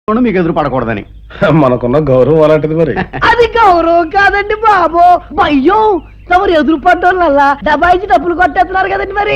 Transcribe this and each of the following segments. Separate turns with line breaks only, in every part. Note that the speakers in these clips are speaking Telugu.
మీకు ఎదురు పడకూడదని.
మనకున్న గౌరవం అలాంటిది మరి.
అది గౌరవం కాదండి బాబు, అయ్యో తమరు ఎదురు పడ్డోళ్ళ డబాయిచి డబ్బులు కొట్టేస్తున్నారు కదండి మరి.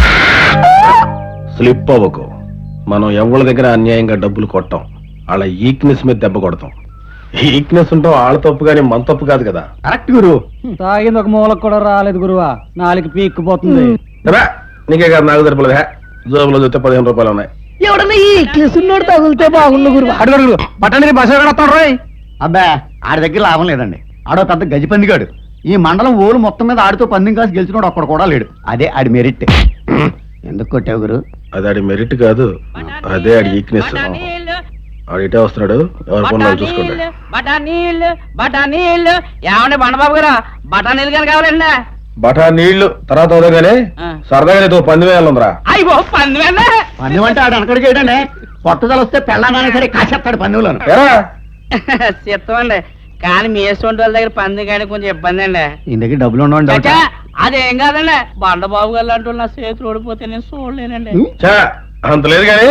స్లిప్ అవ్వకు. మనం ఎవరి దగ్గర అన్యాయంగా డబ్బులు కొట్టాం, వాళ్ళ ఈక్నెస్ మీద దెబ్బ కొడతాం. ఈక్నెస్ ఉంటాం వాళ్ళ తప్పు కానీ మన తప్పు కాదు కదా.
కరెక్ట్ గురు.
తాగింది ఒక మూలకు కూడా రాలేదు గురువా, నాలుగు పీక్కుపోతుంది.
నీకే కాదు నాకు సరిపడదు. జోబులో చూస్తే 15 రూపాయలు ఉన్నాయి.
ఎవడన్నా ఈ కేసున్నోడు తగులితే బాగుండు గురు.
పట్టణి బస్సు కడతాడు రోయ్.
అబ్బా ఆడి దగ్గర లాభం లేదండి. ఆడో పెద్ద గజిపందిగాడు. ఈ మండలం ఓలు మొత్తం మీద ఆడితో పందెం కాసి గెలిచినోడు ఒక్కడు కూడా లేడు. అదే ఆడి మెరిట్. ఎందుకు కొట్టావు గురు?
అది ఆడి మెరిట్ కాదు, అదే ఆడి ఈక్నెస్. ఆడు ఇటే వస్తున్నాడు, ఎవరి పనులు చూసుకుంటాడు.
బఠానీళ్ళు ఏమండి బండబాబు గారు, బఠానీలు కానీ కావాలండి.
బఠా నీళ్లు తర్వాత అవుదాగానే సరదాగా నీతో పంది వేయాలందరా.
అయ్యో పందివేండి.
పందెం అంటే ఆడు అనకడికి ఏంటండి, పట్టుదల వస్తే పెళ్ళానైనా సరే కాసేస్తాడు పందెంలోను.
చెప్తామండి, కానీ మీ వేసుకుంటే వాళ్ళ దగ్గర పంది కానీ కొంచెం ఇబ్బంది అండి.
ఈ దగ్గర డబ్బులు ఉండవండి.
అదేం కాదండి, బండబాబు గారు లాంటి నా చేతులు ఓడిపోతే నేను చూడలేనండి.
అంత లేదు కానీ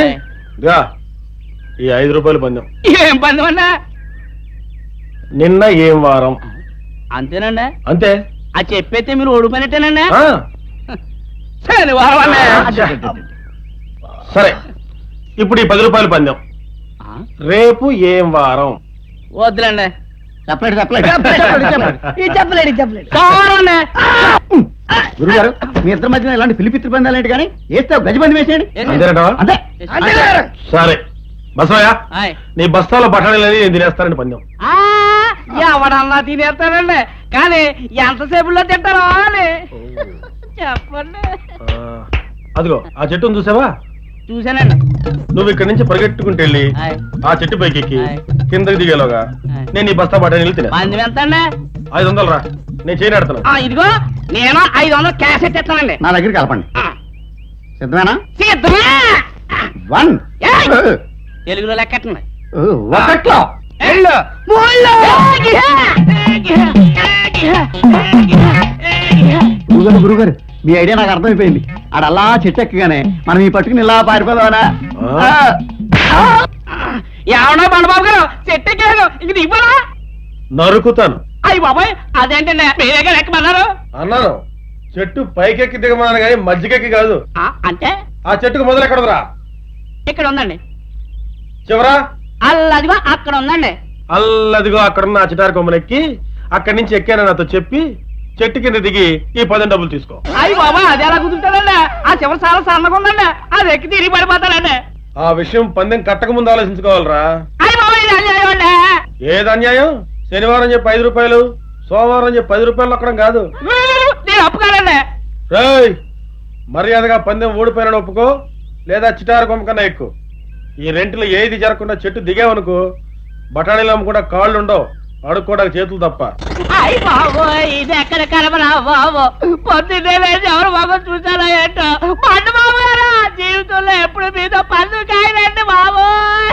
ఈ 5 రూపాయలు పందెం.
ఏం పందెం అండి?
నిన్న ఏం వారం
అంతేనండి.
అంతే.
అది చెప్పైతే మీరు ఓడిపోయినట్టేనండి. శనివారం అండి.
సరే, ఇప్పుడు ఈ 10 రూపాయలు పందెం. రేపు ఏం వారం?
వద్దులండి.
చెప్పలేడు గురుగారు. మీ ఇద్దరి మధ్యన ఇలాంటి పిలిపిత్రి పందాలేంటి కానీ వేస్తే గజిబంది వేసేయండి. అంతే.
సరే బసవయ్య,
ఆయ్.
నీ బస్తాలో బఠానీలు నేను తినేస్తానండి పందెం.
ఎవడన్నా తినేస్తానండి, కానీ ఎంతసేపులో తింటారో అని చెప్పండి.
అదిగో ఆ చెట్టును చూసావా?
చూసానండి.
నువ్వు ఇక్కడి నుంచి పరిగెట్టుకుంటూ వెళ్ళి
ఆయ్.
ఆ చెట్టు పైకి ఎక్కి
ఆయ్.
కిందకి దిగేలోగా
ఆయ్.
నేను ఈ బస్తా బఠానీలు తినే.
పంది ఎంతండి?
500 రా, నేను చేయనాడుతున్నా.
ఇదిగో నేను 500 క్యాష్ ఎత్తేస్తానండి.
నా దగ్గర కలపండి. సిద్ధమేనా?
సిద్ధమే.
1
ఏయ్! తెలుగులో లెక్కట్టండి.
ఒకట్లో గురుగారు, మీ ఐడియా నాకు అర్థమైపోయింది. ఆడ అలా చెట్టు ఎక్కగానే మనం ఈ పట్టుకుని ఇలా పారిపోదామనా?
ఏమన్నా బండబాబు గారు, చెట్టు ఎక్కారు, ఇంక దిగిపోరా.
నరుకుతాను.
అయ్యి బాబాయ్, అదేంటండి మీరేగా ఎక్కమన్నారు?
అన్నాను చెట్టు పైకెక్కి దిగమన్నాను కానీ మధ్యకెక్కి కాదు.
అంటే
ఆ చెట్టుకు మొదలు ఎక్కడదురా?
ఇక్కడ ఉందండి.
చివరా
అల్లదిగో అక్కడ ఉందండి.
అల్లదిగో అక్కడున్న ఆ చిటారి కొమ్మనెక్కి అక్కడి నుంచి ఎక్కానని నాతో చెప్పి చెట్టు కింద దిగి ఈ 10 డబ్బులు తీసుకో.
అయ్యి బాబా, అది ఎలా కుదురుతాడండి? ఆ చివరి చాలా సన్నగా ఉందండి, అది ఎక్కి తిరిగి పడిపోతాడండి.
ఆ విషయం పందెం కట్టక ముందు ఆలోచించుకోవాలరా.
అయ్యి బాబా, ఇది అన్యాయం అండి.
ఏది అన్యాయం? శనివారం చెప్పి 5 రూపాయలు, సోమవారం చెప్పి 10 రూపాయలు అక్కడం కాదు.
నేను ఒప్పుకోనండి.
రేయ్, మర్యాదగా పందెం ఓడిపోయిన ఒప్పుకో, లేదా చిటారు కొమ్మ కన్నా ఎక్కువ. ఈ రెంట్లో ఏది జరగకుండా చెట్టు దిగావనుకో, బఠానీలు అమ్ముకుండా కాళ్ళు ఉండవు, అడుక్కోవడానికి చేతులు తప్ప.
అయ్యి బాబు, ఇది ఎక్కడ కలపరా బాబు? పొద్దున్నే లేచి ఎవరు బాబు చూసారా ఏంటో. పండు బాబు గారు, జీవితంలో ఎప్పుడు మీతో పండు కాయలండి బాబు.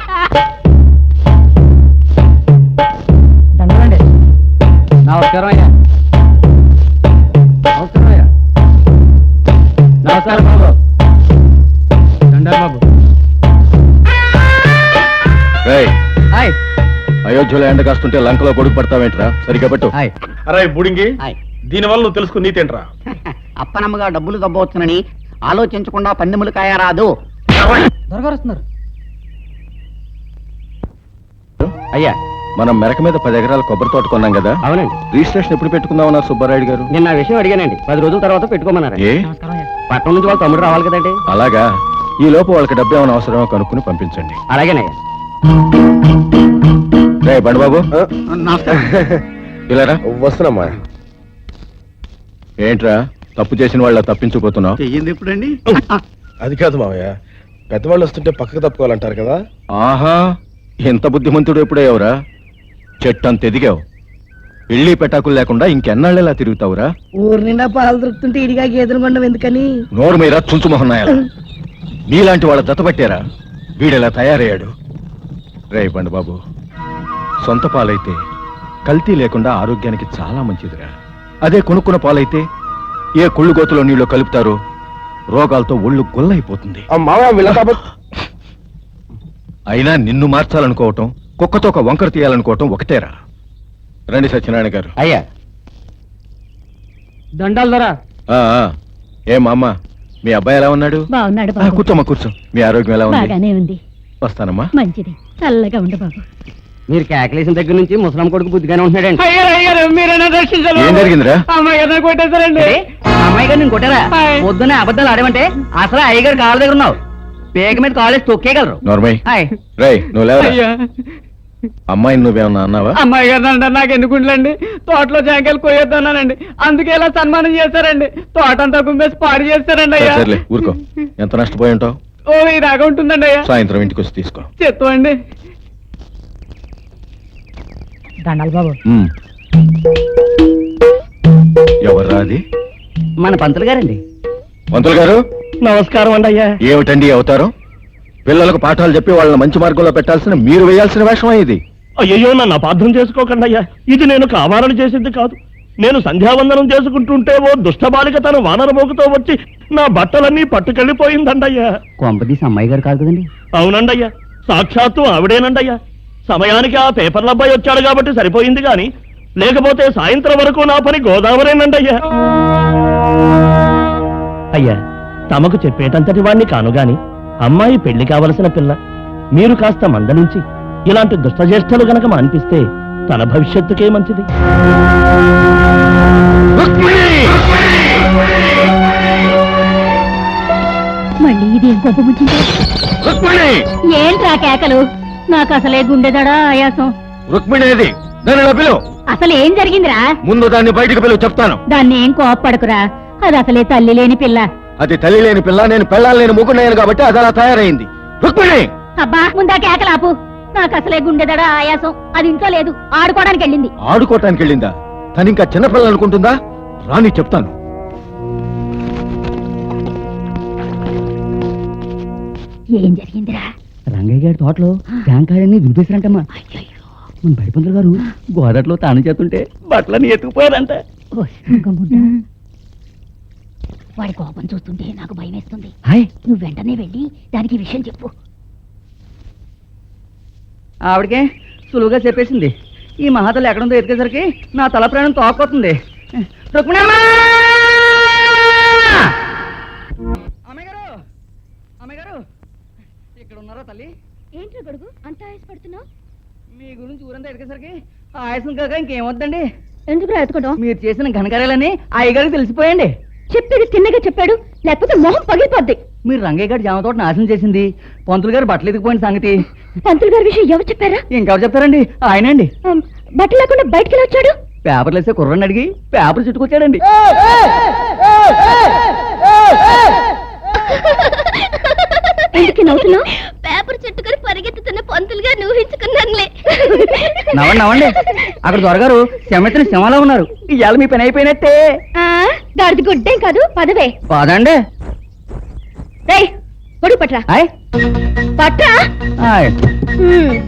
నమస్కారం అయ్యా. నమస్కారం అయ్యా. నమస్కారం బాబు. బాబు. హాయ్.
అయోధ్యలో ఎండ కాస్తుంటే లంకలో కొడుకు పడతావేంట్రా? సరిగ్గా పెట్టు.
హాయ్.
అరే బుడింగి,
హాయ్.
దీనివల్ల నువ్వు తెలుసుకుని నీతేంట్రా?
అప్పనమ్మగా డబ్బులు దబ్బవచ్చునని ఆలోచించకుండా పందెములు కాయరాదు.
దొరగారు వస్తున్నారు.
అయ్యా, మనం మెరక మీద 10 ఎకరాల కొబ్బరి తోట కొన్నాం కదా.
అవునండి.
రిజిస్ట్రేషన్ ఎప్పుడు పెట్టుకుందామన్నారు సుబ్బారాయుడు గారు?
నిన్న ఆ విషయం అడిగానండి, 10 రోజుల తర్వాత పెట్టుకోమన్నారు.
ఏ?
పట్టణం నుంచి వాళ్ళ తమ్ముడు రావాలి కదండి.
అలాగా, ఈ లోపు వాళ్ళకి డబ్బు ఏమైనా అవసరమో కనుక్కుని పంపించండి.
అలాగేనయ్యా.
రే బండబాబు, ఇలా
వస్తున్నామా?
ఏంట్రా తప్పు చేసిన వాళ్ళ తప్పించుకుపోతున్నావు?
చెయ్యింది ఎప్పుడండి?
అది కాదు మామయ్య, పెద్దవాళ్ళు వస్తుంటే పక్కకు తప్పుకోవాలంటారు కదా.
ఆహా, ఎంత బుద్ధిమంతుడు ఎప్పుడయ్యావురా? చెట్టంత ఎదిగావు, ఇళ్ళీ పెటాకులు లేకుండా ఇంకెన్నాళ్ళెలా తిరుగుతావురా?
ఊరు నిండా పాలు దొరుకుతుంటే ఇడిగా గేదెలు కొండం ఎందుకని?
నోరు మీద చుంచుమొహన్నాయాల నీలాంటి వాళ్ళ దత్తపట్టారా వీడెలా తయారయ్యాడు? రే బండబాబు, సొంత పాలైతే కల్తీ లేకుండా ఆరోగ్యానికి చాలా మంచిదిరా. అదే కొనుక్కున్న పాలైతే ఏ కుళ్ళు గోతులో నీళ్ళు కలుపుతారో రోగాలతో ఒళ్ళు గొల్లైపోతుంది.
మామయ్య వీళ్ళ
అయినా నిన్ను మార్చాలనుకోవటం కుక్కతో ఒక వంకర తీయాలనుకోవటం ఒకటేరా. రండి సత్యనారాయణ గారు.
అయ్యా
దండాలు ధర
ఆ, ఆ. ఏం అమ్మ, మీ అబ్బాయి ఎలా ఉన్నాడు?
బాగున్నాడు
ఆ,
బాబు.
కూర్చోమ్మా కూర్చో. మీ ఆరోగ్యం ఎలా ఉంది?
బాగానే ఉంది.
వస్తానమ్మా.
మంచిది, చల్లగా ఉండు బాబు.
మీరు కేకలేసిన దగ్గర నుంచి ముసలం కొడుకు బుద్ధిగానే ఉంటున్నాడండి.
అయ్యారు మీరైనా రక్షించాలి.
ఏం జరిగిందిరా?
అమ్మాయి గారిని కొట్టేశారండి.
అమ్మాయి గారు నేను కొట్టారా?
హాయ్.
పొద్దున్నే అబద్ధాలు ఆడమంటే అసలు అయ్యగారు కాళ్ళ దగ్గర ఉన్నావు. పేక మీద కాలేజ్ తొక్కేయగలరు.
నోర్మయ్,
హాయ్.
రేయ్ నువ్వు లేవరా.
అయ్యా
అమ్మాయిని నువ్వేమన్నా అన్నావా?
అమ్మాయి గారు అంటే నాకు ఎందుకుంటండి, తోటలో జాంకాయలు కొయ్యొద్దన్నానండి, అందుకే ఇలా సన్మానం చేశారండి. తోట అంతా కుమ్మేసి పాడు చేస్తారండి అయ్యా.
సర్లే ఊరుకో. ఎంత నష్టపోయి ఉంటావు?
ఓ ఈ దాకా ఉంటుందండి అయ్యా.
సాయంత్రం ఇంటికి వచ్చి తీసుకో.
చెత్తమండి.
దండాలి బాబు.
ఉమ్. ఎవర్రా అది?
మన పంతులు గారండి.
మంత్రులు గారు
నమస్కారం అండి అయ్యా.
ఏమిటండి ఈ అవతారం? పిల్లలకు పాఠాలు చెప్పి వాళ్ళని మంచి మార్గంలో పెట్టాల్సిన మీరు వేయాల్సిన వేషమా ఇది?
అయ్యో నన్ను అపార్థం చేసుకోకండి అయ్యా, ఇది నేను కావాలని చేసింది కాదు. నేను సంధ్యావందనం చేసుకుంటుంటే ఓ దుష్టబాలిక తన వానరమోగుతో వచ్చి నా బట్టలన్నీ పట్టుకెళ్ళిపోయిందండయ్యా.
కొంపదీసి అమ్మాయి గారు కాదు కదండి.
అవునండయ్యా, సాక్షాత్తు ఆవిడేనండయ్యా. సమయానికి ఆ పేపర్ల అబ్బాయి వచ్చాడు కాబట్టి సరిపోయింది గాని లేకపోతే సాయంత్రం వరకు నా పని గోదావరేనండయ్యా. అయ్యా, తమకు చెప్పేటంతటి వాణ్ణి కాను గాని అమ్మాయి పెళ్లి కావలసిన పిల్ల. మీరు కాస్త మందలించి ఇలాంటి దుష్టజ్యేష్ఠలు గనక మాన్పిస్తే తన భవిష్యత్తుకే మంచిది.
మళ్ళీ ఇదేం గొప్ప ముచ్చింది. ఏంట్రా కేకలు? నాకు అసలే గుండెదడా ఆయాసం.
రుక్మిణేది? దాన్ని ఇలా పిలువు.
అసలు ఏం జరిగిందిరా?
ముందు దాన్ని బయటికి పిలువు, చెప్తాను.
దాన్ని ఏం కోప్పడకురా, అది అసలే తల్లి లేని పిల్ల.
అది తల్లి లేని పిల్ల, నేను పెళ్ళాలి లేని ముగ్గున్నాను కాబట్టి అది అలా తయారైంది. రుక్మిణి!
అబ్బా ముందా కేకలాపు. నాకు అసలే గుండెదడా ఆయాసం. అది ఇంట్లో లేదు, ఆడుకోవడానికి వెళ్ళింది.
ఆడుకోవటానికి వెళ్ళిందా? తను ఇంకా చిన్నపిల్ల అనుకుంటుందా? రాని చెప్తాను.
ఏం జరిగిందిరా?
రంగయ్య గారి తోటలో జాంకాయలన్నీ దులిపేశారంటమ్మా. మన బడి పంతులు గారు గోదట్లో తాను చేస్తుంటే బట్టలన్నీ ఎత్తుకుపోయారంట.
వాడి కోపం చూస్తుంటే నాకు భయం వేస్తుంది.
హాయ్.
నువ్వు వెంటనే వెళ్ళి దానికి ఈ విషయం చెప్పు.
ఆవిడకే సులువుగా చెప్పేసింది. ఈ మహాతలు ఎక్కడుందో ఎతికేసరికి నా తల ప్రాణం తోకపోతుంది. రుక్మిణమ్మ! అమ్మాయి గారు! అమ్మాయి గారు! ఇక్కడ ఉన్నారా తల్లి?
ఏంట్రా గడుగు అంత ఆయాసపడుతున్నావు?
మీ గురించి ఊరంతా ఎతికేసరికి ఆయాసం కాక ఇంకేమొద్దండి.
ఎందుకు ఎత్తుకోవడం?
మీరు చేసిన ఘనకార్యాలని అయ్యగారికి తెలిసిపోయండి.
చెప్పేది తిన్నగా చెప్పాడు, లేకపోతే మొహం పగిలిపోద్ది.
మీరు రంగయ్య గారి జామ తోట నాశనం చేసింది, పంతులు గారు బట్టలు ఎత్తుకుపోయిన సంగతి
పంతులు గారి విషయం ఎవరు చెప్పారా?
ఇంకెవరు చెప్తారండి? ఆయనండి.
బట్టలు లేకుండా బయటికి ఎలా వచ్చాడు?
పేపర్లు వేసే కుర్రని అడిగి పేపర్ చుట్టుకొచ్చాడండి.
ఎందుకు నవ్వుతున్నావు? పేపర్ చుట్టుకొని పరిగెత్తుతున్న పంతులు గారు ఊహించుకున్నానులే.
నవ్వండి నవ్వండి. అక్కడ దొరగారు శమెత్తిన సింహలా ఉన్నారు. ఇవాళ మీ పని అయిపోయినట్టే.
దాడిది గుడ్డేం కాదు, పదవే.
పదండి.
గొడుగు పట్రా.
హాయ్
పట్రా.
హాయ్.